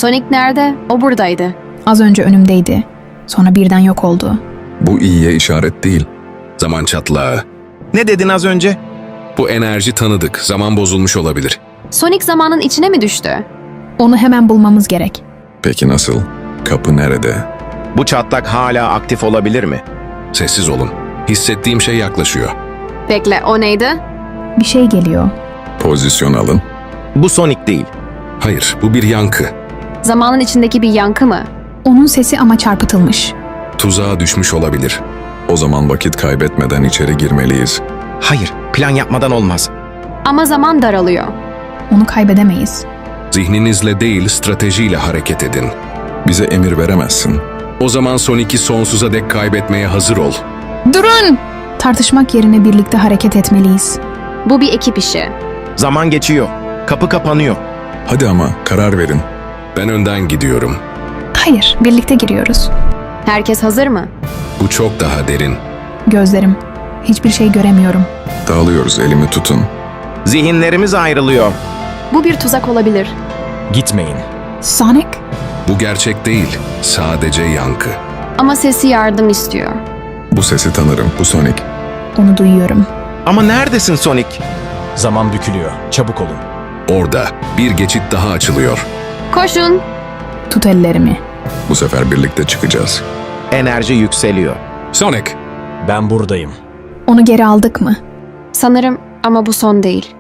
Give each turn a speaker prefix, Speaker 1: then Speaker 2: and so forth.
Speaker 1: Sonic nerede? O buradaydı.
Speaker 2: Az önce önümdeydi. Sonra birden yok oldu.
Speaker 3: Bu iyiye işaret değil.
Speaker 4: Zaman çatlağı.
Speaker 5: Ne dedin az önce?
Speaker 4: Bu enerji tanıdık. Zaman bozulmuş olabilir.
Speaker 1: Sonic zamanın içine mi düştü?
Speaker 2: Onu hemen bulmamız gerek.
Speaker 3: Peki nasıl? Kapı nerede?
Speaker 5: Bu çatlak hala aktif olabilir mi?
Speaker 4: Sessiz olun. Hissettiğim şey yaklaşıyor.
Speaker 1: Bekle, o neydi?
Speaker 2: Bir şey geliyor.
Speaker 3: Pozisyon alın.
Speaker 5: Bu Sonic değil.
Speaker 4: Hayır, bu bir yankı.
Speaker 1: Zamanın içindeki bir yankı mı?
Speaker 2: Onun sesi ama çarpıtılmış.
Speaker 4: Tuzağa düşmüş olabilir.
Speaker 3: O zaman vakit kaybetmeden içeri girmeliyiz.
Speaker 5: Hayır, plan yapmadan olmaz.
Speaker 1: Ama zaman daralıyor.
Speaker 2: Onu kaybedemeyiz.
Speaker 4: Zihninizle değil, stratejiyle hareket edin.
Speaker 3: Bize emir veremezsin.
Speaker 4: O zaman Sonic'i sonsuza dek kaybetmeye hazır ol.
Speaker 2: Durun! Tartışmak yerine birlikte hareket etmeliyiz.
Speaker 1: Bu bir ekip işi.
Speaker 5: Zaman geçiyor. Kapı kapanıyor.
Speaker 3: Hadi ama karar verin.
Speaker 4: Ben önden gidiyorum.
Speaker 2: Hayır, birlikte giriyoruz.
Speaker 1: Herkes hazır mı?
Speaker 4: Bu çok daha derin.
Speaker 2: Gözlerim. Hiçbir şey göremiyorum.
Speaker 3: Dağılıyoruz, elimi tutun.
Speaker 5: Zihinlerimiz ayrılıyor.
Speaker 1: Bu bir tuzak olabilir.
Speaker 6: Gitmeyin.
Speaker 2: Sonic?
Speaker 4: Bu gerçek değil, sadece yankı.
Speaker 1: Ama sesi yardım istiyor.
Speaker 3: Bu sesi tanırım, bu Sonic.
Speaker 2: Onu duyuyorum.
Speaker 5: Ama neredesin Sonic?
Speaker 6: Zaman bükülüyor. Çabuk olun.
Speaker 4: Orada bir geçit daha açılıyor.
Speaker 1: Koşun!
Speaker 2: Tut ellerimi.
Speaker 3: Bu sefer birlikte çıkacağız.
Speaker 5: Enerji yükseliyor.
Speaker 4: Sonic,
Speaker 6: Ben buradayım.
Speaker 2: Onu geri aldık mı?
Speaker 1: Sanırım ama bu son değil.